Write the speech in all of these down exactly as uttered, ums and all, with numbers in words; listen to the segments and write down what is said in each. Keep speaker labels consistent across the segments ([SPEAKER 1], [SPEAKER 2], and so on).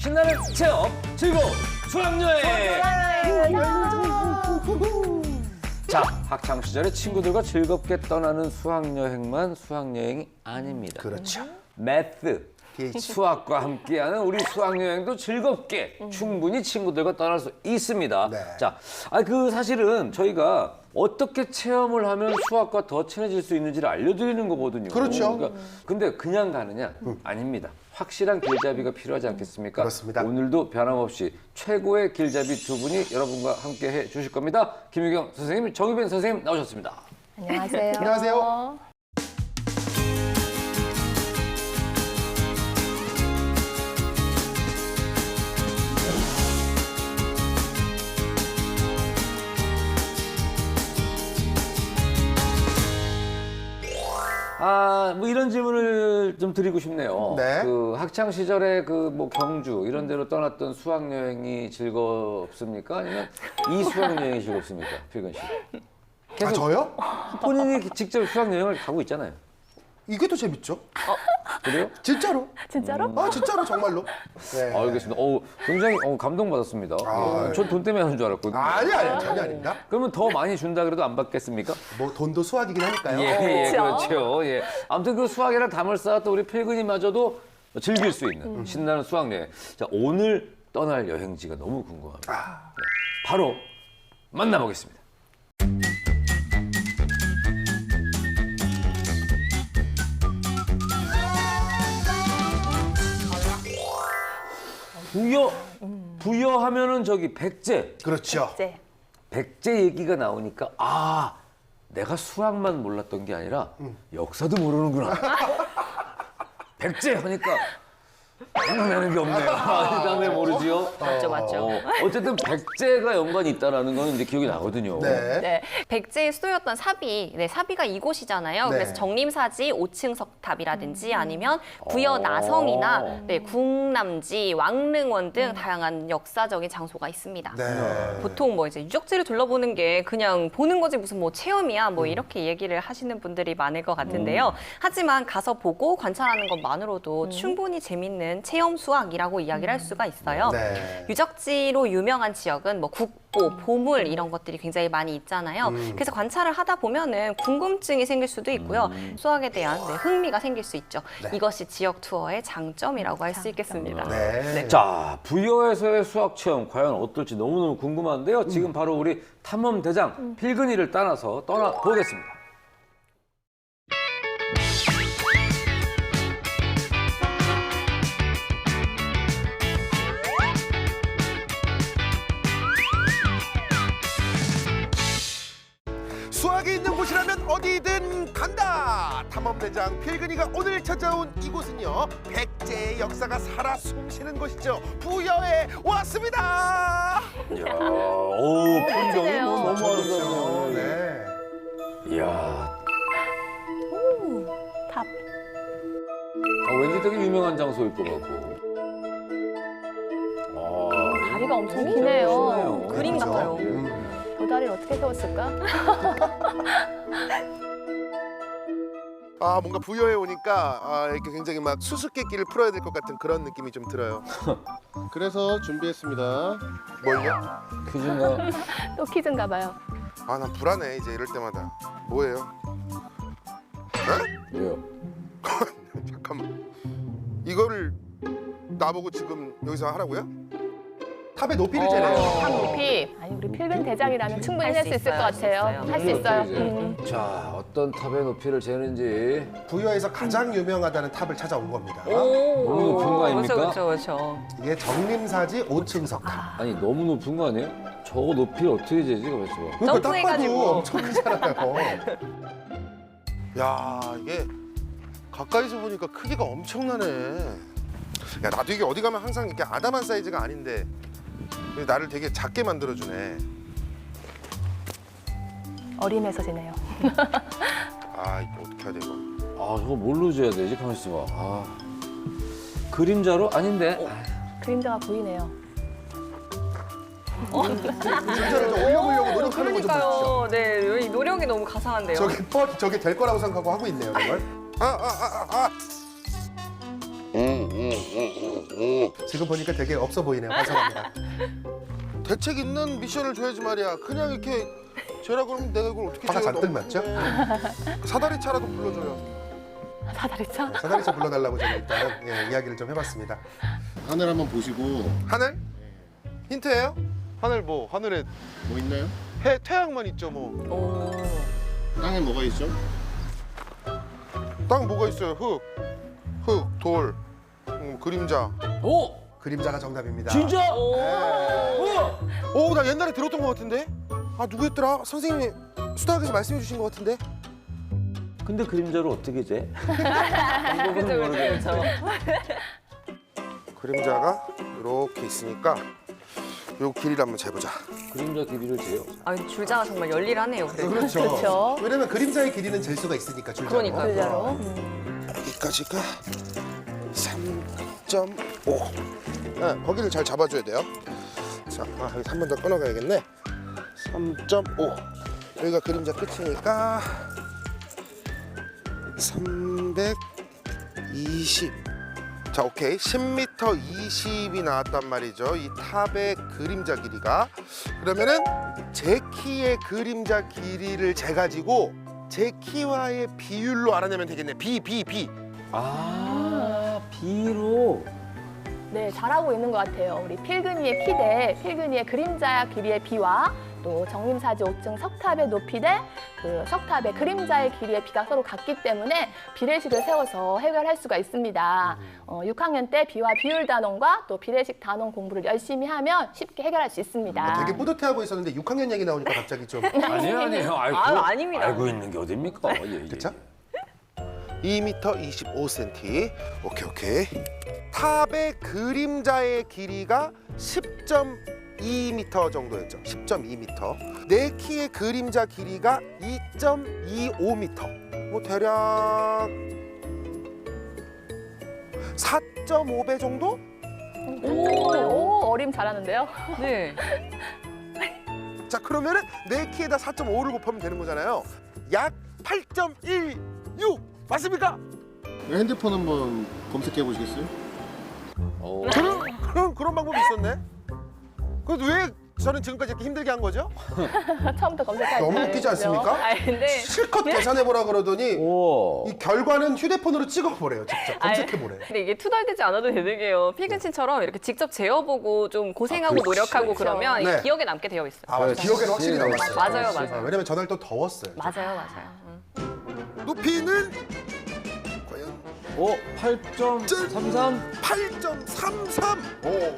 [SPEAKER 1] 신나는 체험, 즐거운 수학여행! 자, 학창 시절에 친구들과 즐겁게 떠나는 수학여행만 수학여행이 아닙니다.
[SPEAKER 2] 그렇죠.
[SPEAKER 1] 매스, 수학과 함께하는 우리 수학여행도 즐겁게 충분히 친구들과 떠날 수 있습니다.
[SPEAKER 2] 네.
[SPEAKER 1] 자, 아, 그 사실은 저희가 어떻게 체험을 하면 수학과 더 친해질 수 있는지를 알려드리는 거거든요.
[SPEAKER 2] 그렇죠.
[SPEAKER 1] 그러니까 근데 그냥 가느냐? 아닙니다. 확실한 길잡이가 필요하지 않겠습니까?
[SPEAKER 2] 그렇습니다.
[SPEAKER 1] 오늘도 변함없이 최고의 길잡이 두 분이 여러분과 함께 해 주실 겁니다. 김유경 선생님, 정유빈 선생님 나오셨습니다.
[SPEAKER 3] 안녕하세요.
[SPEAKER 2] 안녕하세요.
[SPEAKER 1] 아, 뭐 이런 질문을 좀 드리고 싶네요.
[SPEAKER 2] 네.
[SPEAKER 1] 그 학창 시절에 그 뭐 경주 이런 데로 떠났던 수학 여행이 즐겁습니까? 아니면 이 수학 여행이 즐겁습니까? 필근 씨.
[SPEAKER 2] 아, 저요?
[SPEAKER 1] 본인이 직접 수학 여행을 가고 있잖아요.
[SPEAKER 2] 이게 더 재밌죠?
[SPEAKER 1] 그래요?
[SPEAKER 2] 진짜로?
[SPEAKER 3] 진짜로?
[SPEAKER 2] 아, 진짜로 정말로? 네.
[SPEAKER 1] 알겠습니다. 어, 굉장히 어, 감동받았습니다.
[SPEAKER 2] 아,
[SPEAKER 1] 전 돈 때문에 하는 줄 알았거든요.
[SPEAKER 2] 아니, 아니, 전혀 아닙니다.
[SPEAKER 1] 그러면 더 많이 준다 그래도 안 받겠습니까?
[SPEAKER 2] 뭐 돈도 수학이긴 하니까요.
[SPEAKER 1] 예, 예,
[SPEAKER 3] 그렇죠.
[SPEAKER 1] 그렇죠. 예. 아무튼 그 수학이랑 담을 쌓았던 우리 필근이마저도 즐길 수 있는 신나는 수학 여행. 자, 오늘 떠날 여행지가 너무 궁금합니다.
[SPEAKER 2] 아.
[SPEAKER 1] 네, 바로 만나보겠습니다. 부여, 부여하면은 저기 백제.
[SPEAKER 2] 그렇죠.
[SPEAKER 3] 네.
[SPEAKER 1] 백제 얘기가 나오니까 아, 내가 수학만 몰랐던 게 아니라 역사도 모르는구나. 백제 하니까 생각나는 게 없네요. 아, 그다음에 모르지요?
[SPEAKER 3] 맞죠, 맞죠.
[SPEAKER 1] 어, 어쨌든 백제가 연관이 있다라는 거는 이제 기억이 나거든요.
[SPEAKER 2] 네.
[SPEAKER 4] 네, 백제의 수도였던 사비, 네, 사비가 이곳이잖아요.
[SPEAKER 2] 네.
[SPEAKER 4] 그래서 정림사지 오층석탑이라든지 아니면
[SPEAKER 1] 어.
[SPEAKER 4] 부여 나성이나 네, 궁남지, 왕릉원 등 다양한 역사적인 장소가 있습니다.
[SPEAKER 2] 네.
[SPEAKER 4] 보통 뭐 이제 유적지를 둘러보는 게 그냥 보는 거지 무슨 뭐 체험이야 뭐 이렇게 얘기를 하시는 분들이 많을 것 같은데요. 하지만 가서 보고 관찰하는 것만으로도 충분히 재밌는 체험 수학이라고 이야기를 할 수가 있어요.
[SPEAKER 2] 네.
[SPEAKER 4] 유적지로 유명한 지역은 뭐 국보, 보물 이런 것들이 굉장히 많이 있잖아요. 그래서 관찰을 하다 보면은 궁금증이 생길 수도 있고요. 수학에 대한 네, 흥미가 생길 수 있죠. 이것이 지역 투어의 장점이라고 할 수 있겠습니다.
[SPEAKER 2] 네.
[SPEAKER 1] 자, 부여에서의 수학 체험 과연 어떨지 너무너무 궁금한데요. 지금 바로 우리 탐험 대장 필근이를 따라서 떠나 보겠습니다.
[SPEAKER 2] 수학이 있는 곳이라면 어디든 간다. 탐험대장 필근이가 오늘 찾아온 이곳은요, 백제의 역사가 살아 숨쉬는 곳이죠. 부여에 왔습니다.
[SPEAKER 1] 이야, 오, 풍경이 뭐 너무 아름다워요.
[SPEAKER 2] 네.
[SPEAKER 1] 이야,
[SPEAKER 3] 탑.
[SPEAKER 1] 아, 왠지 되게 유명한 장소일 것 같고. 아,
[SPEAKER 3] 다리가 엄청
[SPEAKER 1] 진짜
[SPEAKER 3] 기네요.
[SPEAKER 1] 멋있네요.
[SPEAKER 4] 그림
[SPEAKER 2] 그렇죠?
[SPEAKER 4] 같아요.
[SPEAKER 2] 음.
[SPEAKER 3] 저 다리를 어떻게 세웠을까?
[SPEAKER 2] 아, 뭔가 부여에 오니까 아, 이렇게 굉장히 막 수수께끼를 풀어야 될 것 같은 그런 느낌이 좀 들어요.
[SPEAKER 5] 그래서 준비했습니다.
[SPEAKER 2] 뭘요?
[SPEAKER 1] 퀴즈인가?
[SPEAKER 3] 또 퀴즈인가 봐요.
[SPEAKER 2] 아, 난 불안해 이제 이럴 때마다. 뭐예요?
[SPEAKER 1] 왜요?
[SPEAKER 2] 잠깐만. 이거를 나보고 지금 여기서 하라고요? 탑의 높이를 재래요.
[SPEAKER 3] 탑 높이. 아니 우리 필근 대장이라면 충분히
[SPEAKER 4] 할
[SPEAKER 3] 할
[SPEAKER 4] 수
[SPEAKER 3] 수 있을 것
[SPEAKER 4] 있어요, 할수
[SPEAKER 3] 같아요.
[SPEAKER 4] 있어요.
[SPEAKER 3] 할 수 있어요.
[SPEAKER 1] 이제.
[SPEAKER 3] 음.
[SPEAKER 1] 자, 어떤 탑의 높이를 재는지.
[SPEAKER 2] 부여에서 가장 유명하다는 탑을 찾아온 겁니다.
[SPEAKER 1] 너무 높은 거 아닙니까?
[SPEAKER 4] 그렇죠, 그렇죠.
[SPEAKER 2] 이게 정림사지 오층석 탑.
[SPEAKER 1] 아니, 너무 높은 거 아니에요? 저거 높이를 어떻게 재지? 가만있어 봐.
[SPEAKER 2] 그러니까 딱 봐도
[SPEAKER 4] 점프해가지고.
[SPEAKER 2] 엄청 크잖아요. 야, 이게 가까이서 보니까 크기가 엄청나네. 야, 나도 이게 어디 가면 항상 이렇게 아담한 사이즈가 아닌데 나를 되게 작게 만들어주네.
[SPEAKER 3] 어림에서 지네요.
[SPEAKER 2] 아, 이거 어떻게 해야 돼 이거?
[SPEAKER 1] 아, 저거 뭘로 재야 되지? 가만있어 봐. 아. 그림자로? 아닌데.
[SPEAKER 3] 그림자가 보이네요.
[SPEAKER 2] 진짜로 좀 올려보려고 노력하는 거 좀 보십시오.
[SPEAKER 4] 그러니까요. 네, 이 노력이 너무 가상한데요.
[SPEAKER 2] 저게 뻔, 저게 될 거라고 생각하고 하고 있네요, 이걸. 아, 아, 아, 아, 아.
[SPEAKER 5] 지금 보니까 되게 없어 보이네요. 반성합니다.
[SPEAKER 2] 대책 있는 미션을 줘야지 말이야. 그냥 이렇게 쟤라 그러면 내가 이걸 어떻게
[SPEAKER 5] 화가
[SPEAKER 2] 제가
[SPEAKER 5] 잔뜩
[SPEAKER 2] 너무
[SPEAKER 5] 났죠?
[SPEAKER 2] 힘든데. 사다리차라도 불러줘요.
[SPEAKER 3] 사다리차?
[SPEAKER 5] 사다리차 불러달라고 제가 일단 예, 이야기를 좀 해봤습니다. 하늘 한번 보시고
[SPEAKER 2] 하늘? 힌트예요? 하늘 뭐 하늘에
[SPEAKER 5] 뭐 있나요?
[SPEAKER 2] 해 태양만 있죠 뭐.
[SPEAKER 4] 오.
[SPEAKER 5] 땅에 뭐가 있죠?
[SPEAKER 2] 땅 뭐가 있어요? 흙, 흙, 돌, 음, 그림자.
[SPEAKER 1] 오!
[SPEAKER 5] 그림자가 정답입니다.
[SPEAKER 1] 진짜?
[SPEAKER 2] 오, 나 옛날에 들었던 것 같은데. 아 누구였더라? 선생님이 수다학에서 말씀해 주신 것 같은데.
[SPEAKER 1] 근데 그림자를 어떻게 재? 방법은 모르겠는데.
[SPEAKER 2] 그림자가 이렇게 있으니까 요 길이를 한번 재보자.
[SPEAKER 1] 그림자 길이를 재요.
[SPEAKER 4] 아, 줄자가 정말 열일하네요. 그래도.
[SPEAKER 5] 그렇죠.
[SPEAKER 3] 그렇죠.
[SPEAKER 5] 왜냐면 그림자의 길이는 잴 수가 있으니까 줄자로.
[SPEAKER 4] 그러니까요.
[SPEAKER 3] 줄자로.
[SPEAKER 2] 여기까지가 삼 점 오. 네, 거기를 잘 잡아줘야 돼요. 자, 아, 여기 한 번 더 끊어가야겠네. 삼 점 오. 여기가 그림자 끝이니까 삼백이십. 자, 오케이. 십 미터 이십이 나왔단 말이죠. 이 탑의 그림자 길이가. 그러면은 제 키의 그림자 길이를 재가지고 제 키와의 비율로 알아내면 되겠네. 비, 비, 비.
[SPEAKER 1] 아, B로.
[SPEAKER 3] 네, 잘하고 있는 것 같아요. 우리 필근이의 피 대 필근이의 그림자 길이의 비와 또 정림사지 오 층 석탑의 높이 대 그 석탑의 그림자의 길이의 비가 서로 같기 때문에 비례식을 세워서 해결할 수가 있습니다. 어, 육 학년 때 비와 비율 단원과 또 비례식 단원 공부를 열심히 하면 쉽게 해결할 수 있습니다.
[SPEAKER 5] 되게 뿌듯해하고 있었는데 육 학년 얘기 나오니까 갑자기 좀
[SPEAKER 1] 아니에요, 아니에요. 아이고,
[SPEAKER 4] 아유, 아닙니다.
[SPEAKER 1] 알고 있는 게 어딥니까? 예, 예.
[SPEAKER 5] 그쵸?
[SPEAKER 2] 이 미터 이십오 센티미터. 오케이, 오케이. 탑의 그림자의 길이가 십 점 이 미터 정도였죠. 십 점 이 미터. 내 키의 그림자 길이가 이 점 이오 미터. 뭐 대략 사 점 오 배 정도?
[SPEAKER 3] 오, 어림 잘하는데요.
[SPEAKER 4] 네.
[SPEAKER 2] 자, 그러면은 내 키에다 사 점 오를 곱하면 되는 거잖아요. 약 팔 점 일육. 맞습니까?
[SPEAKER 5] 핸드폰 한번 검색해 보시겠어요?
[SPEAKER 1] 어.
[SPEAKER 2] 그런, 그런, 그런 방법이 있었네. 그래도 왜 저는 지금까지 이렇게 힘들게 한 거죠?
[SPEAKER 3] 처음부터 검색할
[SPEAKER 5] 너무
[SPEAKER 3] 때.
[SPEAKER 5] 웃기지 않습니까?
[SPEAKER 3] 아, 근데
[SPEAKER 5] 실컷 계산해 보라 그러더니
[SPEAKER 1] 오.
[SPEAKER 5] 이 결과는 휴대폰으로 찍어보래요. 직접 검색해 보래.
[SPEAKER 4] 근데 이게 투덜대지 않아도 되는 게요. 필근씨처럼 이렇게 직접 재어보고 좀 고생하고
[SPEAKER 1] 아, 그렇지.
[SPEAKER 4] 노력하고
[SPEAKER 3] 그렇죠.
[SPEAKER 4] 그러면 이게
[SPEAKER 5] 네.
[SPEAKER 4] 기억에 남게 되어 있어요.
[SPEAKER 5] 아, 맞아. 기억에는 확실히
[SPEAKER 1] 그렇지.
[SPEAKER 5] 남았어요.
[SPEAKER 4] 맞아요,
[SPEAKER 1] 그렇지.
[SPEAKER 4] 맞아요.
[SPEAKER 5] 아, 왜냐면 전날 또 더웠어요.
[SPEAKER 4] 맞아요, 맞아요. 응.
[SPEAKER 2] 높이는 과연
[SPEAKER 1] 오, 팔 점 삼삼.
[SPEAKER 2] 팔 점 삼삼.
[SPEAKER 1] 오.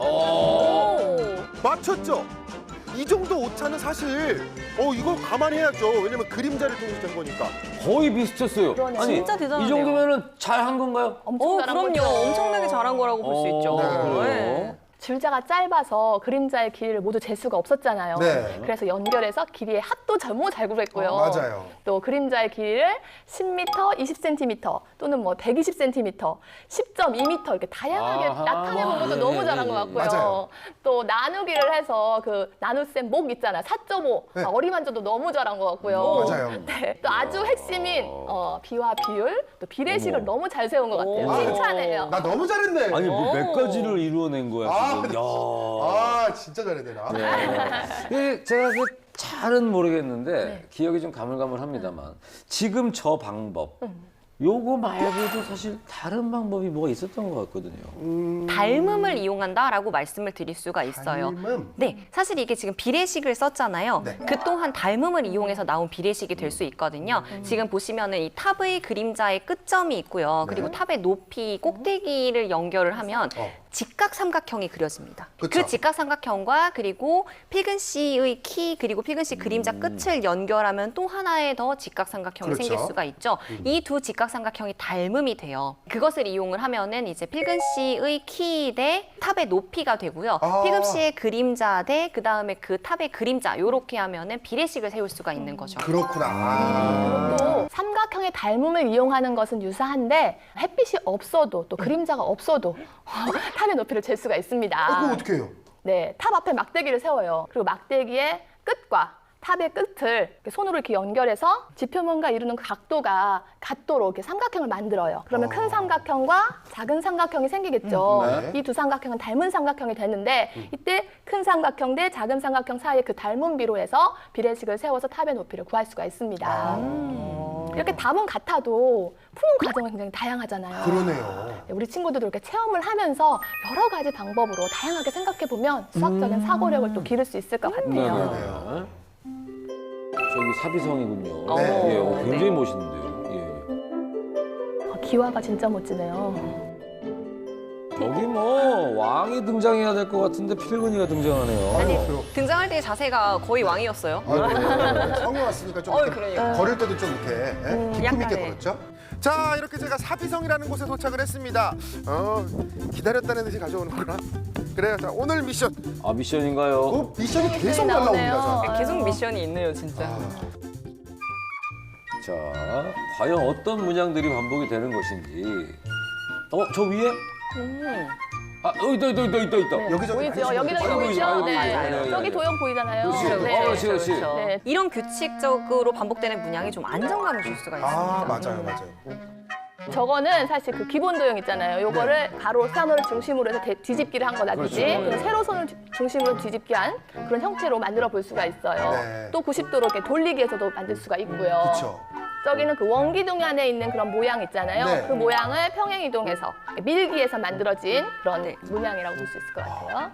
[SPEAKER 3] 오.
[SPEAKER 2] 맞췄죠? 이 정도 오차는 사실 어 이거 감안해야죠. 왜냐면 그림자를 통해서 된 거니까.
[SPEAKER 1] 거의 비슷했어요.
[SPEAKER 3] 그러네요.
[SPEAKER 1] 아니,
[SPEAKER 4] 진짜 대단하네요.
[SPEAKER 1] 이 정도면은 잘 한 건가요?
[SPEAKER 3] 엄청
[SPEAKER 4] 어,
[SPEAKER 3] 잘한
[SPEAKER 4] 그럼요.
[SPEAKER 3] 거죠.
[SPEAKER 4] 엄청나게 잘한 거라고 볼 수
[SPEAKER 1] 어,
[SPEAKER 4] 있죠.
[SPEAKER 1] 그래요?
[SPEAKER 4] 네.
[SPEAKER 3] 줄자가 짧아서 그림자의 길이를 모두 잴 수가 없었잖아요.
[SPEAKER 5] 네.
[SPEAKER 3] 그래서 연결해서 길이의 합도 너무 잘 구했고요.
[SPEAKER 5] 어, 맞아요.
[SPEAKER 3] 또 그림자의 길이를 십 미터, 이십 센티미터 또는 뭐 백이십 센티미터, 십 점 이 미터 이렇게 다양하게
[SPEAKER 1] 아하.
[SPEAKER 3] 나타내본 것도
[SPEAKER 1] 예,
[SPEAKER 3] 너무
[SPEAKER 1] 예,
[SPEAKER 3] 잘한
[SPEAKER 1] 예,
[SPEAKER 3] 것
[SPEAKER 1] 예.
[SPEAKER 3] 같고요.
[SPEAKER 5] 맞아요.
[SPEAKER 3] 또 나누기를 해서 그 나눗셈 목 있잖아요. 사 점 오.
[SPEAKER 5] 네.
[SPEAKER 3] 어리만져도 너무 잘한 것 같고요.
[SPEAKER 5] 맞아요.
[SPEAKER 3] 네. 또 아주 핵심인 어, 비와 비율, 또 비례식을
[SPEAKER 1] 어머.
[SPEAKER 3] 너무 잘 세운 것 같아요.
[SPEAKER 4] 오.
[SPEAKER 3] 칭찬해요.
[SPEAKER 5] 나 너무 잘했네.
[SPEAKER 1] 아니, 뭐 몇
[SPEAKER 4] 오.
[SPEAKER 1] 가지를 이루어낸 거야,
[SPEAKER 5] 아,
[SPEAKER 1] 지금. 야.
[SPEAKER 5] 아, 진짜 잘했네 나.
[SPEAKER 1] 네. 제가 그 잘은 모르겠는데
[SPEAKER 3] 네.
[SPEAKER 1] 기억이 좀 가물가물합니다만 지금 저 방법 요거 말고도 사실 다른 방법이 뭐가 있었던 것 같거든요.
[SPEAKER 4] 닮음을 이용한다라고 말씀을 드릴 수가 있어요.
[SPEAKER 5] 닮음?
[SPEAKER 4] 네, 사실 이게 지금 비례식을 썼잖아요.
[SPEAKER 5] 네.
[SPEAKER 4] 그 또한 닮음을 이용해서 나온 비례식이 될 수 있거든요. 지금 보시면은 이 탑의 그림자의 끝점이 있고요. 그리고
[SPEAKER 5] 네.
[SPEAKER 4] 탑의 높이, 꼭대기를 연결을 하면
[SPEAKER 5] 어.
[SPEAKER 4] 직각 삼각형이 그려집니다.
[SPEAKER 5] 그쵸.
[SPEAKER 4] 그 직각 삼각형과 그리고 필근 씨의 키 그리고 필근 씨 그림자 끝을 연결하면 또 하나의 더 직각 삼각형이
[SPEAKER 5] 그렇죠.
[SPEAKER 4] 생길 수가 있죠. 이 두 직각 삼각형이 닮음이 돼요. 그것을 이용을 하면은 이제 필근 씨의 키 대 탑의 높이가 되고요.
[SPEAKER 5] 아.
[SPEAKER 4] 필근 씨의 그림자 대 그 다음에 그 탑의 그림자 요렇게 하면은 비례식을 세울 수가 있는 거죠.
[SPEAKER 5] 그렇구나. 아.
[SPEAKER 3] 또 삼각형의 닮음을 이용하는 것은 유사한데 햇빛이 없어도 또 그림자가 없어도 탑의 높이를 잴 수가 있습니다.
[SPEAKER 5] 아, 그거 어떻게 해요?
[SPEAKER 3] 네, 탑 앞에 막대기를 세워요. 그리고 막대기의 끝과 탑의 끝을 이렇게 손으로 이렇게 연결해서 지표면과 이루는 그 각도가 같도록 이렇게 삼각형을 만들어요. 그러면
[SPEAKER 2] 어.
[SPEAKER 3] 큰 삼각형과 작은 삼각형이 생기겠죠.
[SPEAKER 2] 음, 네.
[SPEAKER 3] 이 두 삼각형은 닮은 삼각형이 되는데 이때 큰 삼각형 대 작은 삼각형 사이의 그 닮은 비로 해서 비례식을 세워서 탑의 높이를 구할 수가 있습니다.
[SPEAKER 2] 아.
[SPEAKER 3] 이렇게 답은 같아도 푸는 과정은 굉장히 다양하잖아요.
[SPEAKER 2] 그러네요.
[SPEAKER 3] 네, 우리 친구들도 이렇게 체험을 하면서 여러 가지 방법으로 다양하게 생각해 보면 수학적인 사고력을 또 기를 수 있을 것 같아요.
[SPEAKER 1] 네네네. 저기 사비성이군요.
[SPEAKER 2] 네.
[SPEAKER 1] 예, 어,
[SPEAKER 4] 네.
[SPEAKER 1] 굉장히 멋있는데요. 예.
[SPEAKER 3] 아, 기와가 진짜 멋지네요.
[SPEAKER 1] 여기 뭐 왕이 등장해야 될 것 같은데 필근이가 등장하네요.
[SPEAKER 5] 아니,
[SPEAKER 4] 등장할 때 자세가 거의 왕이었어요.
[SPEAKER 5] 성에 왔으니까 좀
[SPEAKER 4] 어이,
[SPEAKER 5] 이렇게
[SPEAKER 4] 그러니까.
[SPEAKER 5] 걸을 때도 좀 이렇게 예?
[SPEAKER 3] 음,
[SPEAKER 5] 기품 있게
[SPEAKER 4] 약간의.
[SPEAKER 5] 걸었죠?
[SPEAKER 2] 자, 이렇게 제가 사비성이라는 곳에 도착을 했습니다. 어, 기다렸다는 듯이 가져오는구나. 그래요. 자, 오늘 미션.
[SPEAKER 1] 아 미션인가요?
[SPEAKER 5] 그 미션이 계속
[SPEAKER 3] 네, 나오네요.
[SPEAKER 5] 날라옵니다. 자.
[SPEAKER 4] 계속 미션이 있네요, 진짜.
[SPEAKER 1] 자, 과연 어떤 문양들이 반복이 되는 것인지. 어, 저 위에?
[SPEAKER 4] 음.
[SPEAKER 1] 아, 어, 있다, 있다, 있다, 있다, 있다.
[SPEAKER 3] 네,
[SPEAKER 5] 여기저기
[SPEAKER 3] 보이죠?
[SPEAKER 5] 많이
[SPEAKER 3] 여기저기
[SPEAKER 1] 보이죠?
[SPEAKER 3] 보이죠?
[SPEAKER 1] 아이고,
[SPEAKER 3] 네.
[SPEAKER 1] 맞아요. 네,
[SPEAKER 3] 저기
[SPEAKER 1] 네.
[SPEAKER 3] 도형 보이잖아요.
[SPEAKER 1] 그렇지.
[SPEAKER 3] 네.
[SPEAKER 1] 어, 그렇지, 그렇지.
[SPEAKER 3] 네.
[SPEAKER 4] 이런 규칙적으로 반복되는 문양이 좀 안정감을 줄 수가 있습니다.
[SPEAKER 5] 아, 맞아요, 맞아요.
[SPEAKER 3] 저거는 사실 그 기본 도형 있잖아요. 요거를 가로 선을 중심으로 해서 대- 뒤집기를 한 거다든지
[SPEAKER 1] 그렇죠.
[SPEAKER 3] 그리고 세로 선을 주- 중심으로 뒤집기 한 그런 형태로 만들어 볼 수가 있어요.
[SPEAKER 5] 네.
[SPEAKER 3] 또 구십 도로 이렇게 돌리기 해서도 만들 수가 있고요.
[SPEAKER 5] 그렇죠.
[SPEAKER 3] 저기는 그 원기둥 안에 있는 그런 모양 있잖아요.
[SPEAKER 5] 네.
[SPEAKER 3] 그 모양을 평행이동해서 밀기에서 만들어진 그런
[SPEAKER 4] 네.
[SPEAKER 3] 문양이라고 볼 수 있을 것 같아요.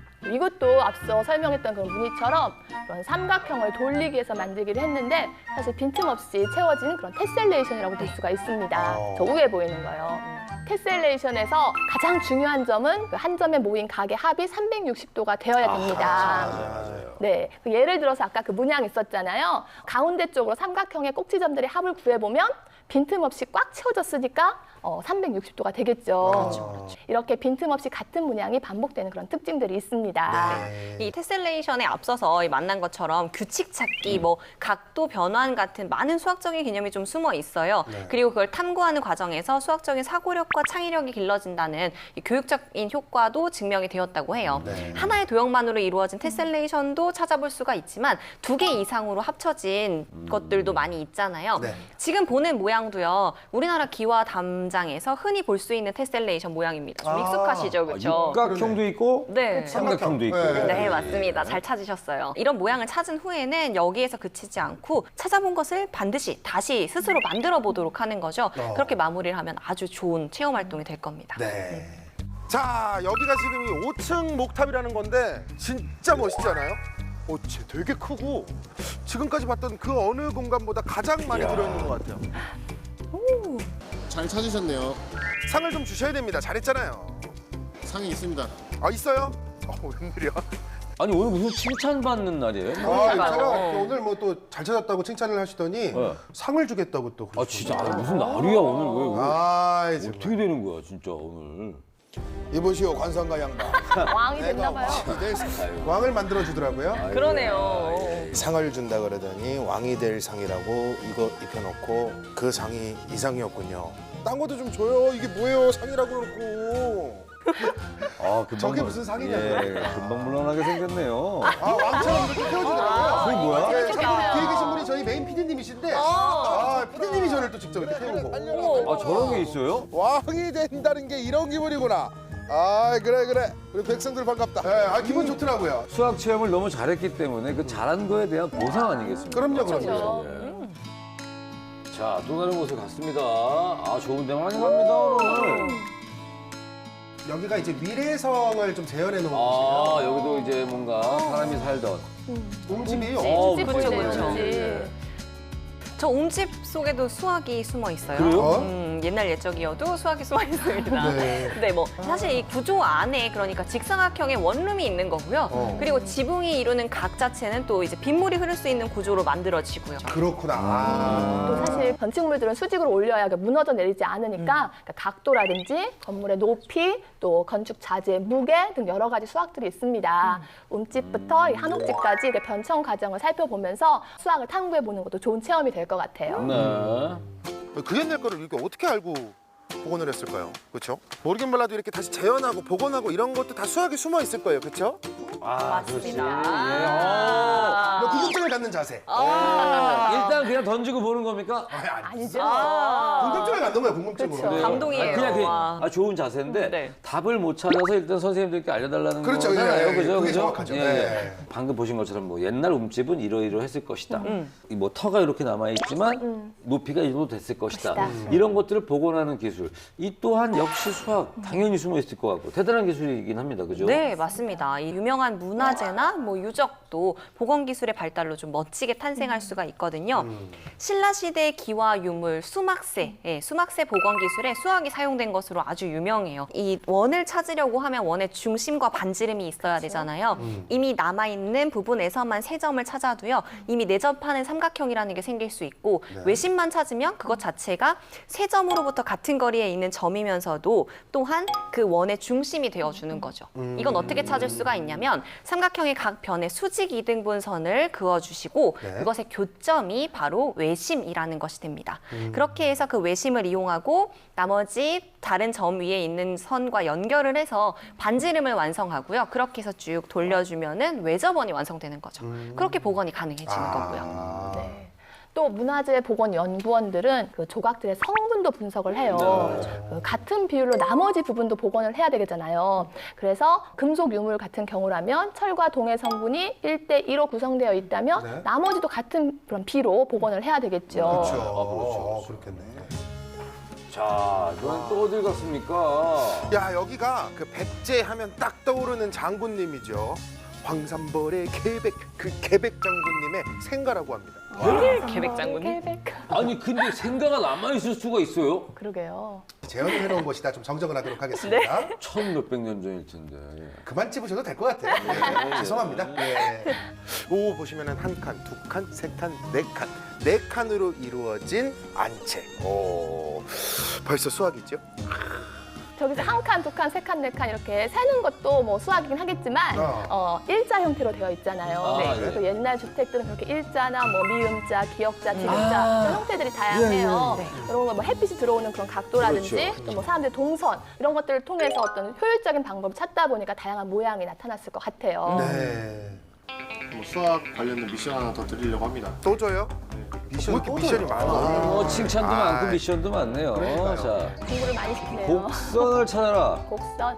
[SPEAKER 3] 이것도 앞서 설명했던 그런 무늬처럼 그런 삼각형을 돌리기에서 만들기를 했는데 사실 빈틈없이 채워진 그런 테셀레이션이라고 볼 수가 있습니다.
[SPEAKER 5] 어.
[SPEAKER 3] 저 위에 보이는 거요. 테셀레이션에서 가장 중요한 점은 그 한 점에 모인 각의 합이 삼백육십 도가 되어야 됩니다.
[SPEAKER 5] 맞아요.
[SPEAKER 3] 네, 그 예를 들어서 아까 그 문양 있었잖아요. 가운데 쪽으로 삼각형의 꼭지점들의 합을 구해보면 빈틈없이 꽉 채워졌으니까 어, 삼백육십 도가 되겠죠.
[SPEAKER 5] 그렇죠.
[SPEAKER 3] 이렇게 빈틈없이 같은 문양이 반복되는 그런 특징들이 있습니다.
[SPEAKER 5] 네.
[SPEAKER 4] 이 테셀레이션에 앞서서 이 만난 것처럼 규칙 찾기, 뭐 각도 변환 같은 많은 수학적인 개념이 좀 숨어 있어요.
[SPEAKER 5] 네.
[SPEAKER 4] 그리고 그걸 탐구하는 과정에서 수학적인 사고력과 창의력이 길러진다는 이 교육적인 효과도 증명이 되었다고 해요.
[SPEAKER 5] 네.
[SPEAKER 4] 하나의 도형만으로 이루어진 테셀레이션도 찾아볼 수가 있지만 두 개 이상으로 합쳐진 것들도 많이 있잖아요.
[SPEAKER 5] 네.
[SPEAKER 4] 지금 보는 모양도요. 우리나라 기와 담장에서 흔히 볼 수 있는 테셀레이션 모양입니다. 좀
[SPEAKER 5] 아,
[SPEAKER 4] 익숙하시죠,
[SPEAKER 1] 아,
[SPEAKER 4] 그렇죠?
[SPEAKER 1] 육각형도 있고
[SPEAKER 4] 네.
[SPEAKER 1] 삼각형도 있고.
[SPEAKER 5] 네.
[SPEAKER 4] 네, 맞습니다. 잘 찾으셨어요. 이런 모양을 찾은 후에는 여기에서 그치지 않고 찾아본 것을 반드시 다시 스스로 만들어 보도록 하는 거죠.
[SPEAKER 5] 어.
[SPEAKER 4] 그렇게 마무리를 하면 아주 좋은 체험 활동이 될 겁니다.
[SPEAKER 2] 네. 자, 여기가 지금 이 오 층 목탑이라는 건데 진짜 멋있지 않아요? 어, 쟤 되게 크고 지금까지 봤던 그 어느 공간보다 가장 많이 들어있는 것 같아요.
[SPEAKER 5] 잘 찾으셨네요.
[SPEAKER 2] 상을 좀 주셔야 됩니다. 잘했잖아요.
[SPEAKER 5] 상이 있습니다.
[SPEAKER 2] 아, 있어요? 어, 웬일이야?
[SPEAKER 1] 아니 오늘 무슨 칭찬받는 날이에요?
[SPEAKER 5] 아,
[SPEAKER 4] 그러니까요.
[SPEAKER 5] 제가 오늘 뭐 또 잘 찾았다고 칭찬을 하시더니
[SPEAKER 1] 네.
[SPEAKER 5] 상을 주겠다고 또
[SPEAKER 1] 아 진짜 아니, 무슨 날이야 오늘 왜, 왜
[SPEAKER 5] 아,
[SPEAKER 1] 어떻게 되는 거야 진짜 오늘?
[SPEAKER 2] 이보시오, 관상가 양반.
[SPEAKER 3] 왕이 됐나 봐요.
[SPEAKER 5] 왕을 만들어 주더라고요.
[SPEAKER 4] 그러네요.
[SPEAKER 2] 상을 준다 그러더니 왕이 될 상이라고 이거 입혀놓고 그 상이 이 상이었군요. 딴 것도 좀 줘요. 이게 뭐예요? 상이라고 그러고.
[SPEAKER 1] 아 금방
[SPEAKER 5] 저게
[SPEAKER 1] 물-
[SPEAKER 5] 무슨 상이냐고요?
[SPEAKER 1] 예, 금방 물러나게 생겼네요.
[SPEAKER 5] 아, 왕처럼 이렇게 태워주더라고요.
[SPEAKER 1] 그게 뭐야?
[SPEAKER 5] 네,
[SPEAKER 3] 이렇게
[SPEAKER 5] 저기
[SPEAKER 3] 해요.
[SPEAKER 5] 뒤에 계신 분이 저희 메인 피디님이신데 아, 피디님이 저를 또 직접 이렇게 태우고.
[SPEAKER 1] 아 저런 게 있어요?
[SPEAKER 2] 왕이 된다는 게 이런 기분이구나. 아, 그래 그래. 우리 백성들 반갑다.
[SPEAKER 5] 네, 아, 기분 좋더라고요.
[SPEAKER 1] 수학 체험을 너무 잘했기 때문에 그 잘한 거에 대한 보상 아니겠습니까?
[SPEAKER 5] 그럼요,
[SPEAKER 3] 그렇죠.
[SPEAKER 5] 그럼요.
[SPEAKER 1] 예. 자, 또 다른 곳에 갔습니다. 아, 좋은 데 많이 갑니다, 오늘.
[SPEAKER 5] 여기가 이제 위례성을 좀 재현해 놓은
[SPEAKER 1] 아,
[SPEAKER 5] 곳이에요.
[SPEAKER 1] 여기도 이제 뭔가 사람이 살던.
[SPEAKER 5] 옴집이
[SPEAKER 1] 어,
[SPEAKER 3] 집
[SPEAKER 4] 그렇죠,
[SPEAKER 3] 보이네요,
[SPEAKER 4] 그렇죠.
[SPEAKER 3] 집.
[SPEAKER 4] 저 옴집 속에도 수학이 숨어 있어요.
[SPEAKER 1] 그래요?
[SPEAKER 4] 음, 옛날 옛적이어도 수학이 숨어 있습니다.
[SPEAKER 5] 네.
[SPEAKER 4] 네, 뭐 사실 이 구조 안에 그러니까 직사각형의 원룸이 있는 거고요.
[SPEAKER 5] 어.
[SPEAKER 4] 그리고 지붕이 이루는 각 자체는 또 이제 빗물이 흐를 수 있는 구조로 만들어지고요.
[SPEAKER 5] 그렇구나. 아.
[SPEAKER 3] 또 사실 건축물들은 수직으로 올려야 무너져 내리지 않으니까 그러니까 각도라든지 건물의 높이 또 건축 자재의 무게 등 여러 가지 수학들이 있습니다. 움집부터 이 한옥집까지 이렇게 변청 과정을 살펴보면서 수학을 탐구해 보는 것도 좋은 체험이 될 것 같아요.
[SPEAKER 1] 네.
[SPEAKER 2] 그 옛날 거를 이렇게 어떻게 알고 복원을 했을까요? 그렇죠? 모르긴 몰라도 이렇게 다시 재현하고 복원하고 이런 것도 다 수학이 숨어 있을 거예요. 그렇죠?
[SPEAKER 1] 아,
[SPEAKER 4] 맞습니다.
[SPEAKER 1] 그렇지. 예. 어.
[SPEAKER 5] 뭐 궁금증을 갖는 자세.
[SPEAKER 1] 아, 일단 그냥 던지고 보는 겁니까?
[SPEAKER 3] 아니죠.
[SPEAKER 5] 궁금증을 갖는 거야, 궁금증으로.
[SPEAKER 3] 그쵸.
[SPEAKER 4] 감동이에요.
[SPEAKER 1] 아, 그냥 그,
[SPEAKER 4] 와.
[SPEAKER 1] 아, 좋은 자세인데
[SPEAKER 4] 네.
[SPEAKER 1] 답을 못 찾아서 일단 선생님들께 알려달라는
[SPEAKER 5] 그렇죠.
[SPEAKER 1] 거잖아요.
[SPEAKER 5] 예, 예,
[SPEAKER 1] 그죠?
[SPEAKER 5] 그게
[SPEAKER 1] 그죠?
[SPEAKER 5] 정확하죠.
[SPEAKER 1] 예,
[SPEAKER 5] 네.
[SPEAKER 1] 예. 방금 보신 것처럼 뭐 옛날 움집은 이러이러했을 것이다. 이 뭐 터가 이렇게 남아 있지만 높이가 이 정도 됐을 것이다.
[SPEAKER 3] 것이다.
[SPEAKER 1] 이런 것들을 복원하는 기술. 이 또한 역시 수학 당연히 숨어 있을 것 같고 대단한 기술이긴 합니다. 그죠?
[SPEAKER 4] 네, 맞습니다. 이 유명한 문화재나 뭐 유적도 복원 기술의 발달로 좀 멋지게 탄생할 수가 있거든요. 신라 시대의 기와 유물, 수막새, 예, 수막새 복원 기술에 수학이 사용된 것으로 아주 유명해요. 이 원을 찾으려고 하면 원의 중심과 반지름이 있어야 되잖아요. 이미 남아 있는 부분에서만 세 점을 찾아도요. 이미 내접하는 삼각형이라는 게 생길 수 있고 외심만 찾으면 그것 자체가 세 점으로부터 같은 거리에 있는 점이면서도 또한 그 원의 중심이 되어주는 거죠. 이건 어떻게 찾을 수가 있냐면 삼각형의 각 변에 수직 이등분선을 그어주시고
[SPEAKER 5] 네.
[SPEAKER 4] 그것의 교점이 바로 외심이라는 것이 됩니다. 그렇게 해서 그 외심을 이용하고 나머지 다른 점 위에 있는 선과 연결을 해서 반지름을 완성하고요. 그렇게 해서 쭉 돌려주면은 외접원이 완성되는 거죠. 그렇게 복원이 가능해지는 거고요.
[SPEAKER 5] 아.
[SPEAKER 3] 네. 또 문화재 복원 연구원들은 그 조각들의 성분도 분석을 해요. 그 같은 비율로 나머지 부분도 복원을 해야 되잖아요. 그래서 금속 유물 같은 경우라면 철과 동의 성분이 일 대 이로 구성되어 있다면
[SPEAKER 5] 네.
[SPEAKER 3] 나머지도 같은 그런 비로 복원을 해야 되겠죠.
[SPEAKER 5] 그렇죠.
[SPEAKER 2] 아,
[SPEAKER 5] 어, 그렇겠네.
[SPEAKER 1] 자, 이건 또 어딜 갔습니까?
[SPEAKER 2] 야, 여기가 그 백제 하면 딱 떠오르는 장군님이죠. 황산벌의 계백, 그 계백 장군님의 생가라고 합니다.
[SPEAKER 4] 계백 장군님?
[SPEAKER 3] 계백.
[SPEAKER 1] 아니 근데 생가가 남아있을 수가 있어요?
[SPEAKER 3] 그러게요.
[SPEAKER 5] 재현을 해놓은 것이다. 좀 정정을 하도록 하겠습니다.
[SPEAKER 1] 천 몇백 년 전일 텐데.
[SPEAKER 5] 그만 찝으셔도 될 것 같아요. 예, 죄송합니다. 예.
[SPEAKER 2] 오, 보시면은 한 칸, 두 칸, 세 칸, 네 칸, 네 칸으로 이루어진 안채. 오, 벌써 수학이죠?
[SPEAKER 3] 저기서 한 칸, 두 칸, 세 칸, 네 칸 이렇게 세는 것도 뭐 수학이긴 하겠지만
[SPEAKER 5] 어.
[SPEAKER 3] 어, 일자 형태로 되어 있잖아요.
[SPEAKER 1] 아,
[SPEAKER 3] 네.
[SPEAKER 1] 네.
[SPEAKER 3] 그래서 옛날 주택들은 그렇게 일자나 뭐 미음자, 기역자, 디귿자
[SPEAKER 1] 아.
[SPEAKER 3] 이런 형태들이 다양해요.
[SPEAKER 1] 예,
[SPEAKER 3] 그런 거 뭐 햇빛이 들어오는 그런 각도라든지
[SPEAKER 1] 그렇죠.
[SPEAKER 3] 또 뭐 사람들의 동선 이런 것들을 통해서 어떤 효율적인 방법을 찾다 보니까 다양한 모양이 나타났을 것 같아요.
[SPEAKER 5] 네.
[SPEAKER 6] 뭐 수학 관련된 미션 하나 더 드리려고 합니다.
[SPEAKER 2] 또 줘요? 미션, 왜 이렇게 미션이 많아?
[SPEAKER 1] 어, 칭찬도
[SPEAKER 2] 아,
[SPEAKER 1] 많고 미션도 많네요.
[SPEAKER 2] 그러니까요.
[SPEAKER 1] 자,
[SPEAKER 3] 공부를 많이 시키네요.
[SPEAKER 1] 곡선을 찾아라.
[SPEAKER 3] 곡선.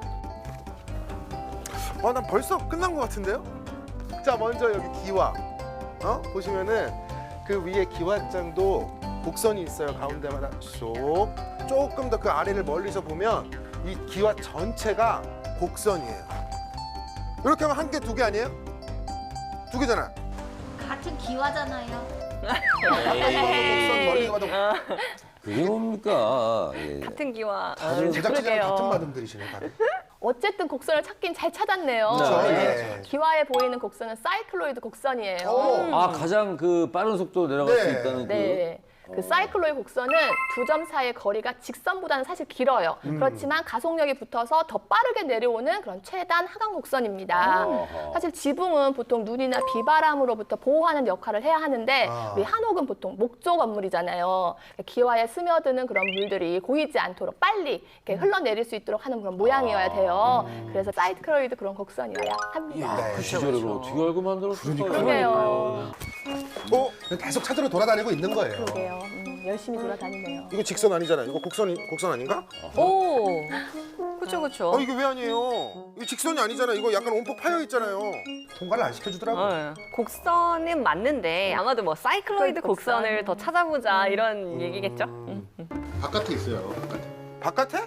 [SPEAKER 2] 어, 난 벌써 끝난 것 같은데요? 자, 먼저 여기 기와. 어? 보시면은 그 위에 기와장도 곡선이 있어요. 가운데마다 쏙. 조금 더 그 아래를 멀리서 보면 이 기와 전체가 곡선이에요. 이렇게 하면 한 개, 두 개 아니에요? 두 개잖아.
[SPEAKER 7] 같은 기와잖아요.
[SPEAKER 5] 곡선 멀리서 봐도
[SPEAKER 1] 그게 뭡니까? 예.
[SPEAKER 4] 같은 기와
[SPEAKER 1] 다른
[SPEAKER 5] 제작진이랑
[SPEAKER 3] 그러게요.
[SPEAKER 5] 같은 마음들이시네. 다들.
[SPEAKER 3] 어쨌든 곡선을 찾긴 잘 찾았네요.
[SPEAKER 1] 그렇죠.
[SPEAKER 5] 네.
[SPEAKER 3] 기와에 보이는 곡선은 사이클로이드 곡선이에요.
[SPEAKER 5] 오.
[SPEAKER 1] 아, 가장 그 빠른 속도로 내려갈 수
[SPEAKER 5] 네.
[SPEAKER 1] 있다는
[SPEAKER 3] 네. 그 사이클로의 곡선은 두 점 사이의 거리가 직선보다는 사실 길어요. 그렇지만 가속력이 붙어서 더 빠르게 내려오는 그런 최단 하강 곡선입니다.
[SPEAKER 1] 어허.
[SPEAKER 3] 사실 지붕은 보통 눈이나 비바람으로부터 보호하는 역할을 해야 하는데
[SPEAKER 5] 아.
[SPEAKER 3] 우리 한옥은 보통 목조 건물이잖아요. 기와에 스며드는 그런 물들이 고이지 않도록 빨리 이렇게 흘러내릴 수 있도록 하는 그런 모양이어야 돼요. 그래서 사이클로이드 그런 곡선이어야 합니다.
[SPEAKER 5] 네.
[SPEAKER 1] 그 시절에 그걸 어떻게 알고 만들었을까요?
[SPEAKER 3] 그러게요.
[SPEAKER 2] 어?
[SPEAKER 5] 계속 찾으러 돌아다니고 있는 거예요.
[SPEAKER 3] 그러게요. 음, 열심히 돌아다니네요.
[SPEAKER 2] 이거 직선 아니잖아. 이거 곡선, 곡선 아닌가?
[SPEAKER 4] 오, 그렇죠, 그렇죠.
[SPEAKER 2] 어, 이게 왜 아니에요? 이거 직선이 아니잖아. 이거 약간 온폭 파여 있잖아요.
[SPEAKER 5] 통과를 안 시켜주더라고요.
[SPEAKER 4] 어, 곡선은 맞는데 아마도 뭐 사이클로이드
[SPEAKER 3] 곡선.
[SPEAKER 4] 곡선을 더 찾아보자 이런 얘기겠죠? 음.
[SPEAKER 6] 바깥에 있어요. 바깥에.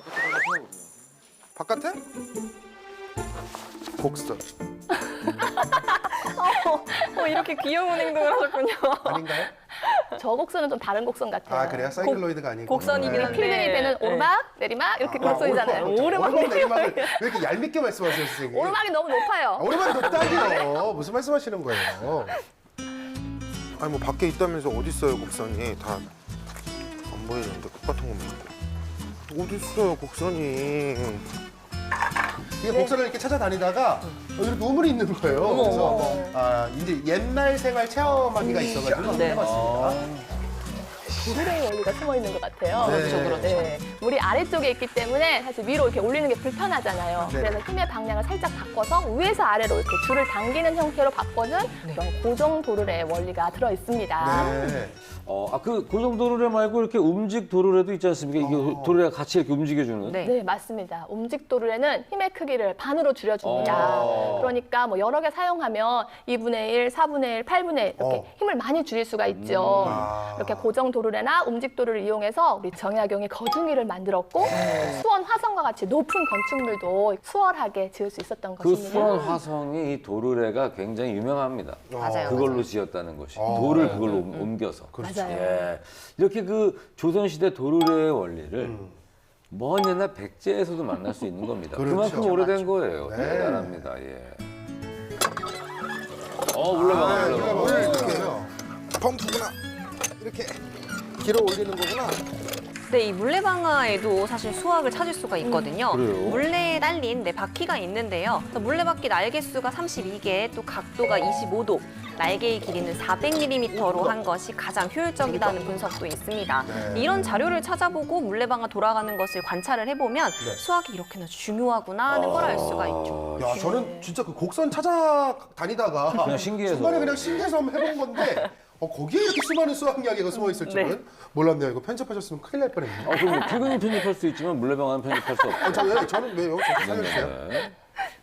[SPEAKER 2] 바깥에? 바깥에? 곡선.
[SPEAKER 4] 어, 이렇게 귀여운 행동을 하셨군요.
[SPEAKER 5] 아닌가요?
[SPEAKER 3] 저 곡선은 좀 다른 곡선 같아요.
[SPEAKER 5] 아 그래요? 사이클로이드가 아니고.
[SPEAKER 4] 곡선이긴
[SPEAKER 5] 네.
[SPEAKER 4] 한데.
[SPEAKER 3] 필름이 되는
[SPEAKER 4] 네.
[SPEAKER 3] 오르막, 내리막 이렇게
[SPEAKER 5] 아,
[SPEAKER 3] 곡선이잖아요.
[SPEAKER 5] 오르막,
[SPEAKER 3] 오르막,
[SPEAKER 5] 오르막
[SPEAKER 3] 내리막.
[SPEAKER 5] 내리막을 왜 이렇게 얄밉게 말씀하세요, 선생님?
[SPEAKER 3] 오르막이 너무
[SPEAKER 5] 아,
[SPEAKER 3] 높아요.
[SPEAKER 5] 오르막이 높다니요. 무슨 말씀하시는 거예요?
[SPEAKER 2] 아니 뭐 밖에 있다면서 어디 있어요 곡선이? 다 안 보이는데 똑같은 것만 있고. 어디 있어요 곡선이?
[SPEAKER 5] 이게 곡선을 이렇게 찾아다니다가 여기 우물이 있는 거예요.
[SPEAKER 4] 어머,
[SPEAKER 5] 그래서
[SPEAKER 4] 어머.
[SPEAKER 5] 아, 이제 옛날 생활 체험하기가 있어가지고 한번
[SPEAKER 4] 네.
[SPEAKER 5] 해봤습니다.
[SPEAKER 3] 도르래의 원리가 숨어 있는 것 같아요.
[SPEAKER 2] 네.
[SPEAKER 4] 그렇죠, 그렇죠.
[SPEAKER 3] 네. 물이 아래쪽에 있기 때문에 사실 위로 이렇게 올리는 게 불편하잖아요.
[SPEAKER 2] 네.
[SPEAKER 3] 그래서 힘의 방향을 살짝 바꿔서 위에서 아래로 이렇게 줄을 당기는 형태로 바꿔준 그런 고정 도르래의 원리가 들어 있습니다.
[SPEAKER 2] 네.
[SPEAKER 1] 어, 아, 그 고정 도르래 말고 이렇게 움직 도르래도 있지 않습니까? 이게
[SPEAKER 2] 어.
[SPEAKER 1] 도르래가 같이 이렇게 움직여주는.
[SPEAKER 4] 네.
[SPEAKER 3] 네, 맞습니다. 움직 도르래는 힘의 크기를 반으로 줄여줍니다.
[SPEAKER 1] 어.
[SPEAKER 3] 그러니까 뭐 여러 개 사용하면 이분의 일, 사분의 일, 팔분의 일 이렇게
[SPEAKER 2] 어.
[SPEAKER 3] 힘을 많이 줄일 수가 있죠.
[SPEAKER 2] 아.
[SPEAKER 3] 이렇게 고정 도르래나 움직 도르를 이용해서 우리 정약용이 거중이를 만들었고 수원 화성과 같이 높은 건축물도 수월하게 지을 수 있었던
[SPEAKER 1] 그
[SPEAKER 3] 것입니다.
[SPEAKER 1] 수원 화성이 이 도르래가 굉장히 유명합니다.
[SPEAKER 4] 맞아요.
[SPEAKER 1] 그걸로 지었다는 것이.
[SPEAKER 2] 어.
[SPEAKER 1] 돌을
[SPEAKER 2] 네.
[SPEAKER 1] 그걸로 옮- 옮겨서.
[SPEAKER 3] 맞아요.
[SPEAKER 1] 예. 이렇게 그 조선시대 도르래의 원리를
[SPEAKER 2] 음.
[SPEAKER 1] 먼 옛날 백제에서도 만날 수 있는 겁니다.
[SPEAKER 2] 그렇죠.
[SPEAKER 1] 그만큼 오래된 거예요.
[SPEAKER 2] 네.
[SPEAKER 1] 대단합니다. 예. 어, 물러봐,
[SPEAKER 2] 아,
[SPEAKER 1] 물러봐.
[SPEAKER 2] 물러봐. 이렇게 펌프구나. 이렇게 길어 올리는 거구나.
[SPEAKER 4] 네, 이 물레방아에도 사실 수학을 찾을 수가 있거든요.
[SPEAKER 1] 그래요?
[SPEAKER 4] 물레에 달린 네, 바퀴가 있는데요. 그래서 물레바퀴 날개수가 삼십이 개, 또 각도가 이십오 도, 날개의 길이는 사백 밀리미터로 한 것이 가장 효율적이라는 분석도 있습니다.
[SPEAKER 2] 네.
[SPEAKER 4] 이런 자료를 찾아보고 물레방아 돌아가는 것을 관찰을 해보면
[SPEAKER 2] 네.
[SPEAKER 4] 수학이 이렇게나 중요하구나 하는 걸 알 수가 있죠.
[SPEAKER 2] 야, 저는 진짜 그 곡선 찾아다니다가
[SPEAKER 1] 그냥 신기해서.
[SPEAKER 2] 중간에 그냥 신기해서 한번 해본 건데 어, 거기에 이렇게 수많은 수학 이야기가 숨어 있을 줄은 몰랐네요. 이거 편집하셨으면 큰일 날 뻔했네요.
[SPEAKER 1] 어, 그럼 필근이 편집할 수 있지만 물레방아는 편집할 수 없어요.
[SPEAKER 2] 아, 저, 왜, 저는 왜요? 저 살려주세요.
[SPEAKER 1] 네.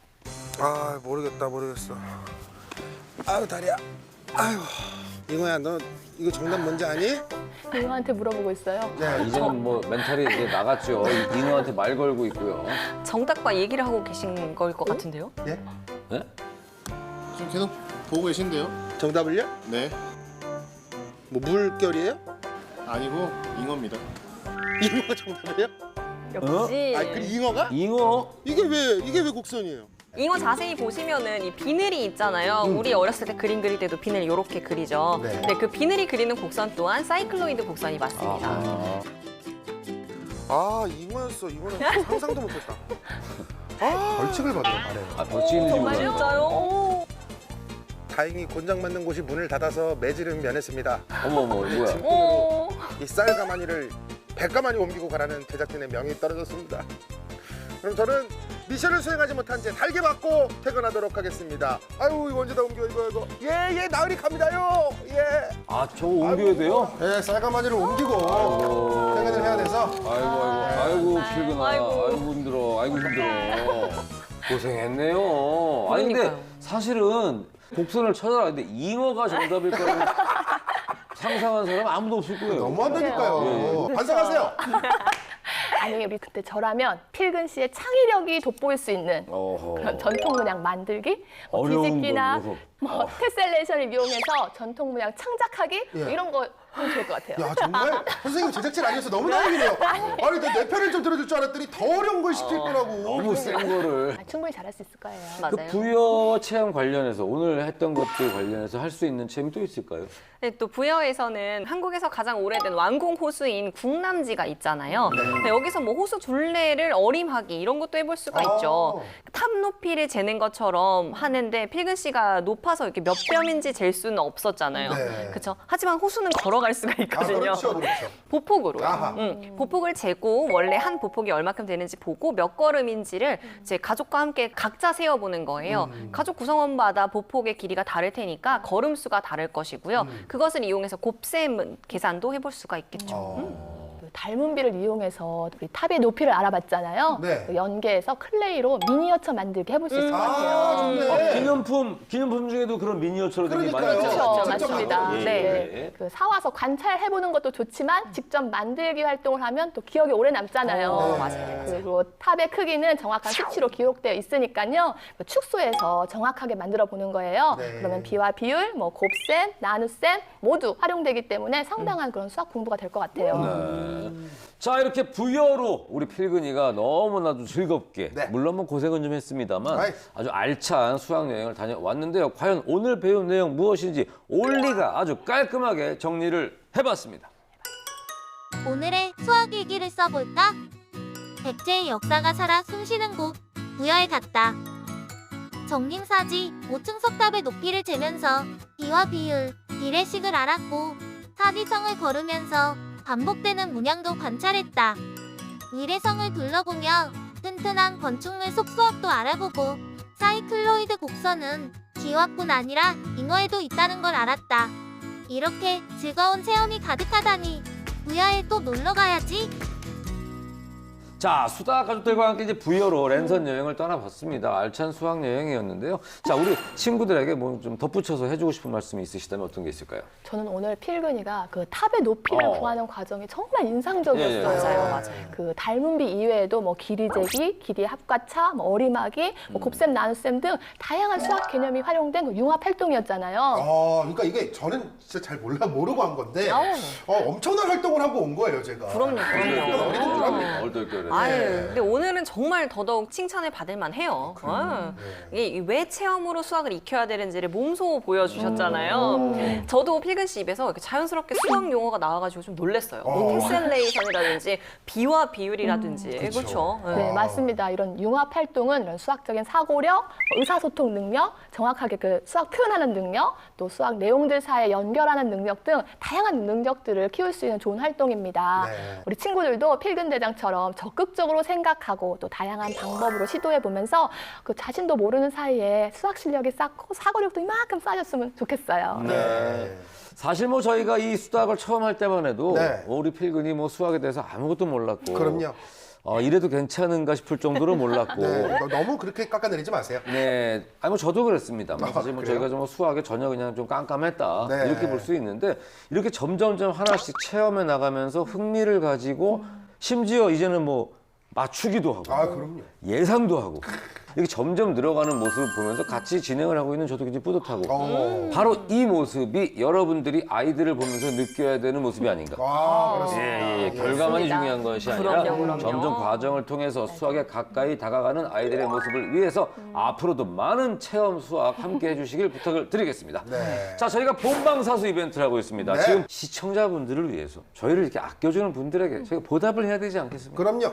[SPEAKER 2] 아, 모르겠다, 모르겠어. 아유, 다리야. 아유, 이거야, 너 이거 정답 뭔지 아니?
[SPEAKER 3] 이모한테 물어보고 있어요.
[SPEAKER 2] 네,
[SPEAKER 1] 이제는 뭐 멘탈이 이제 나갔죠. 이- 인어한테 말 걸고 있고요.
[SPEAKER 4] 정답과 얘기를 하고 계신 걸 것 같은데요?
[SPEAKER 2] 예?
[SPEAKER 1] 네?
[SPEAKER 6] 지금 계속 보고 계신데요?
[SPEAKER 2] 정답을요?
[SPEAKER 6] 네.
[SPEAKER 2] 뭐 물결이에요?
[SPEAKER 6] 아니고 잉어입니다.
[SPEAKER 2] 잉어가 정답이에요?
[SPEAKER 4] 역시.
[SPEAKER 2] 아니, 그 잉어가?
[SPEAKER 1] 잉어?
[SPEAKER 2] 이게 왜 이게 왜 곡선이에요?
[SPEAKER 4] 잉어 자세히 보시면은 이 비늘이 있잖아요. 우리 어렸을 때 그림 그릴 때도 비늘 이렇게 그리죠.
[SPEAKER 2] 네.
[SPEAKER 4] 네, 그 비늘이 그리는 곡선 또한 사이클로이드 곡선이 맞습니다.
[SPEAKER 1] 아,
[SPEAKER 2] 아, 잉어였어. 이거는 상상도 못했다. 아, 벌칙을 받으러 가네요.
[SPEAKER 1] 아 벌칙 있는지 몰랐네.
[SPEAKER 4] 진짜요?
[SPEAKER 2] 다행히 곤장 맞는 곳이 문을 닫아서 매질은 면했습니다.
[SPEAKER 1] 어머 어머 이거야.
[SPEAKER 4] 오.
[SPEAKER 2] 이 쌀가마니를 백가마니 옮기고 가라는 제작진의 명이 떨어졌습니다. 그럼 저는 미션을 수행하지 못한 채 달게 맞고 퇴근하도록 하겠습니다. 아유, 이거 언제 다 옮겨 이거 이거. 예, 예, 나으리 갑니다요. 예.
[SPEAKER 1] 아 저거 옮겨야 돼요?
[SPEAKER 2] 예, 쌀가마니를 옮기고
[SPEAKER 1] 아이고.
[SPEAKER 2] 퇴근을 해야 돼서.
[SPEAKER 1] 아이고 아이고 아이고 필근아.
[SPEAKER 4] 아이고.
[SPEAKER 1] 아이고 힘들어. 아이고 힘들어. 고생했네요. 아니 근데
[SPEAKER 4] 그러니까요.
[SPEAKER 1] 사실은 곡선을 찾아라. 근데 잉어가 정답일 거라고 상상한 사람 아무도 없을 거예요.
[SPEAKER 2] 너무한다니까요.
[SPEAKER 1] 예, 예.
[SPEAKER 2] 반성하세요.
[SPEAKER 3] 아니 우리 그때 저라면 필근 씨의 창의력이 돋보일 수 있는
[SPEAKER 1] 어허.
[SPEAKER 3] 그런 전통 문양 만들기, 뭐
[SPEAKER 1] 어려운
[SPEAKER 3] 뒤집기나
[SPEAKER 1] 거,
[SPEAKER 3] 뭐 테셀레이션을 이용해서 전통 문양 창작하기 뭐
[SPEAKER 2] 예.
[SPEAKER 3] 이런 거 하면 좋을 것 같아요.
[SPEAKER 2] 야, 정말 선생님 제작진 아니어서 너무 다행이네요. 아니, 내 편을 좀 들어줄 줄 알았더니 더 어려운 걸 시킬 거라고.
[SPEAKER 1] 너무 센 거를.
[SPEAKER 3] 아, 충분히 잘할 수 있을 거예요.
[SPEAKER 1] 그
[SPEAKER 4] 맞아요.
[SPEAKER 1] 부여 체험 관련해서 오늘 했던 것들 관련해서 할 수 있는 체험이 또 있을까요?
[SPEAKER 4] 네, 또 부여에서는 한국에서 가장 오래된 완공 호수인 국남지가 있잖아요. 네, 여기서 뭐 호수 둘레를 어림하기 이런 것도 해볼 수가 있죠. 탑 높이를 재는 것처럼 하는데 필근 씨가 높아서 이렇게 몇 뼘인지 잴 수는 없었잖아요.
[SPEAKER 2] 네.
[SPEAKER 4] 그렇죠? 하지만 호수는 걸어갈 수가
[SPEAKER 2] 아,
[SPEAKER 4] 있거든요.
[SPEAKER 2] 그렇죠, 그렇죠.
[SPEAKER 4] 보폭으로.
[SPEAKER 2] 아하.
[SPEAKER 4] 응, 보폭을 재고 원래 한 보폭이 얼마큼 되는지 보고 몇 걸음인지를 이제 가족과 함께 각자 세어보는 거예요. 가족 구성원마다 보폭의 길이가 다를 테니까 걸음 수가 다를 것이고요. 그것을 이용해서 곱셈 계산도 해볼 수가 있겠죠.
[SPEAKER 2] 어.
[SPEAKER 3] 그 닮은비를 이용해서 우리 탑의 높이를 알아봤잖아요.
[SPEAKER 2] 네.
[SPEAKER 3] 그 연계해서 클레이로 미니어처 만들기 해볼 수 있을 것
[SPEAKER 2] 아,
[SPEAKER 3] 같아요.
[SPEAKER 2] 좋네.
[SPEAKER 1] 어, 기념품 기념품 중에도 그런 미니어처로 된 게 많이
[SPEAKER 2] 그러니까요.
[SPEAKER 1] 있잖아요.
[SPEAKER 3] 그렇죠,
[SPEAKER 2] 직접
[SPEAKER 3] 맞습니다.
[SPEAKER 2] 만들어요.
[SPEAKER 3] 네.
[SPEAKER 1] 예.
[SPEAKER 3] 그 사와서 관찰해보는 것도 좋지만 직접 만들기 활동을 하면 또 기억이 오래 남잖아요.
[SPEAKER 2] 어, 네.
[SPEAKER 4] 맞아요.
[SPEAKER 3] 그리고 탑의 크기는 정확한 수치로 기록되어 있으니까요. 그 축소해서 정확하게 만들어 보는 거예요.
[SPEAKER 2] 네.
[SPEAKER 3] 그러면 비와 비율, 뭐 곱셈, 나눗셈 모두 활용되기 때문에 상당한 그런 수학 공부가 될 것 같아요.
[SPEAKER 1] 네. 자 이렇게 부여로 우리 필근이가 너무나도 즐겁게
[SPEAKER 2] 네.
[SPEAKER 1] 물론 뭐 고생은 좀 했습니다만
[SPEAKER 2] 아이.
[SPEAKER 1] 아주 알찬 수학 여행을 다녀왔는데요. 과연 오늘 배운 내용 무엇인지 올리가 아주 깔끔하게 정리를 해봤습니다.
[SPEAKER 7] 오늘의 수학 일기를 써볼까? 백제의 역사가 살아 숨쉬는 곳 부여에 갔다. 정림사지 오 층 석탑의 높이를 재면서 비와 비율, 비례식을 알았고 사지성을 걸으면서 반복되는 문양도 관찰했다. 의례성을 둘러보며 튼튼한 건축물 속수학도 알아보고 사이클로이드 곡선은 기와뿐 아니라 잉어에도 있다는 걸 알았다. 이렇게 즐거운 체험이 가득하다니 부여에 또 놀러 가야지.
[SPEAKER 1] 자, 수다 가족들과 함께 이제 부여로 랜선 여행을 떠나봤습니다. 알찬 수학 여행이었는데요. 자, 우리 친구들에게 뭐 좀 덧붙여서 해주고 싶은 말씀이 있으시다면 어떤 게 있을까요?
[SPEAKER 3] 저는 오늘 필근이가 그 탑의 높이를
[SPEAKER 1] 어.
[SPEAKER 3] 구하는 과정이 정말 인상적이었어요.
[SPEAKER 1] 예, 예.
[SPEAKER 4] 맞아요, 맞아요.
[SPEAKER 3] 그 달문비 이외에도 뭐 길이 재기, 길이 합과차, 뭐 어리막이, 뭐 곱셈, 나눗셈 등 다양한 수학 개념이 활용된 그 융합 활동이었잖아요.
[SPEAKER 5] 아, 그러니까 이게 저는 진짜 잘 몰라 모르고 한 건데
[SPEAKER 4] 아우.
[SPEAKER 5] 어, 엄청난 활동을 하고 온 거예요, 제가.
[SPEAKER 4] 그럼요, 그럼요.
[SPEAKER 5] 약간 어리둥 줄 합니다.
[SPEAKER 1] 얼떨결에.
[SPEAKER 4] 아유,
[SPEAKER 5] 네.
[SPEAKER 4] 근데 오늘은 정말 더더욱 칭찬을 받을 만해요. 어. 이게 왜 체험으로 수학을 익혀야 되는지를 몸소 보여주셨잖아요. 저도 필근 씨 입에서 이렇게 자연스럽게 수학 용어가 나와가지고 좀 놀랐어요. 뭐
[SPEAKER 5] 어.
[SPEAKER 4] 테셀레이션이라든지 비와 비율이라든지
[SPEAKER 5] 그쵸.
[SPEAKER 4] 그렇죠. 네.
[SPEAKER 3] 네, 맞습니다. 이런 융합 활동은 이런 수학적인 사고력, 뭐 의사소통 능력, 정확하게 그 수학 표현하는 능력, 또 수학 내용들 사이에 연결하는 능력 등 다양한 능력들을 키울 수 있는 좋은 활동입니다.
[SPEAKER 5] 네.
[SPEAKER 3] 우리 친구들도 필근 대장처럼 적극적으로 생각하고 또 다양한 방법으로 시도해 보면서 그 자신도 모르는 사이에 수학 실력이 쌓고 사고력도 이만큼 쌓였으면 좋겠어요.
[SPEAKER 5] 네.
[SPEAKER 1] 사실 뭐 저희가 이 수학을 처음 할 때만 해도
[SPEAKER 5] 네.
[SPEAKER 1] 우리 필근이 뭐 수학에 대해서 아무것도 몰랐고
[SPEAKER 5] 그럼요.
[SPEAKER 1] 어, 이래도 괜찮은가 싶을 정도로 몰랐고
[SPEAKER 5] 네. 너- 너무 그렇게 깎아내리지 마세요.
[SPEAKER 1] 네, 아니 뭐 저도 그랬습니다. 뭐
[SPEAKER 5] 아,
[SPEAKER 1] 사실 뭐
[SPEAKER 5] 그래요?
[SPEAKER 1] 저희가 좀 수학에 전혀 그냥 좀 깜깜했다
[SPEAKER 5] 네.
[SPEAKER 1] 이렇게 볼 수 있는데 이렇게 점점점 하나씩 체험해 나가면서 흥미를 가지고 심지어 이제는 뭐 맞추기도 하고
[SPEAKER 5] 아, 그럼요.
[SPEAKER 1] 예상도 하고 이렇게 점점 늘어가는 모습을 보면서 같이 진행을 하고 있는 저도 굉장히 뿌듯하고
[SPEAKER 5] 어.
[SPEAKER 1] 바로 이 모습이 여러분들이 아이들을 보면서 느껴야 되는 모습이 아닌가.
[SPEAKER 5] 아, 그렇습니다.
[SPEAKER 1] 예, 예, 예. 결과만이
[SPEAKER 3] 맞습니다.
[SPEAKER 1] 중요한 것이 아니라
[SPEAKER 4] 그럼요, 그럼요.
[SPEAKER 1] 점점 과정을 통해서 수학에 가까이 다가가는 아이들의 모습을 위해서 앞으로도 많은 체험 수학 함께 해주시길 부탁을 드리겠습니다.
[SPEAKER 5] 네.
[SPEAKER 1] 자, 저희가 본방사수 이벤트를 하고 있습니다.
[SPEAKER 5] 네.
[SPEAKER 1] 지금 시청자분들을 위해서 저희를 이렇게 아껴주는 분들에게 저희가 보답을 해야 되지 않겠습니까?
[SPEAKER 5] 그럼요.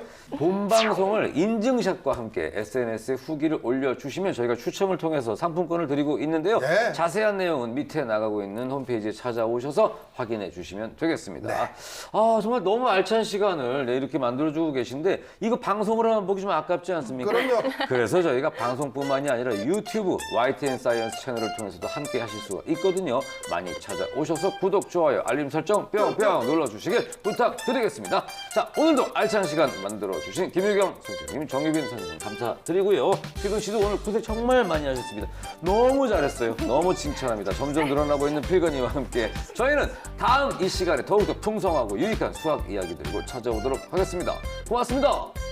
[SPEAKER 1] 본방송을 인증샷과 함께 에스엔에스에 후기를 올려주시면 저희가 추첨을 통해서 상품권을 드리고 있는데요.
[SPEAKER 5] 네.
[SPEAKER 1] 자세한 내용은 밑에 나가고 있는 홈페이지에 찾아오셔서 확인해 주시면 되겠습니다.
[SPEAKER 5] 네.
[SPEAKER 1] 아, 정말 너무 알찬 시간을 네, 이렇게 만들어주고 계신데 이거 방송으로 하면 보기 좀 아깝지 않습니까?
[SPEAKER 5] 그럼요.
[SPEAKER 1] 그래서 저희가 방송뿐만이 아니라 유튜브 와이티엔 사이언스 채널을 통해서도 함께 하실 수가 있거든요. 많이 찾아오셔서 구독, 좋아요, 알림 설정 뿅뿅 눌러주시길 부탁드리겠습니다. 자, 오늘도 알찬 시간 만들어주신 김유경 선생님, 정유빈 선생님 감사드리고요. 필근 씨도 오늘 고생 정말 많이 하셨습니다. 너무 잘했어요. 너무 칭찬합니다. 점점 늘어나고 있는 필근이와 함께 저희는 다음 이 시간에 더욱더 풍성하고 유익한 수학 이야기 들고 찾아오도록 하겠습니다. 고맙습니다.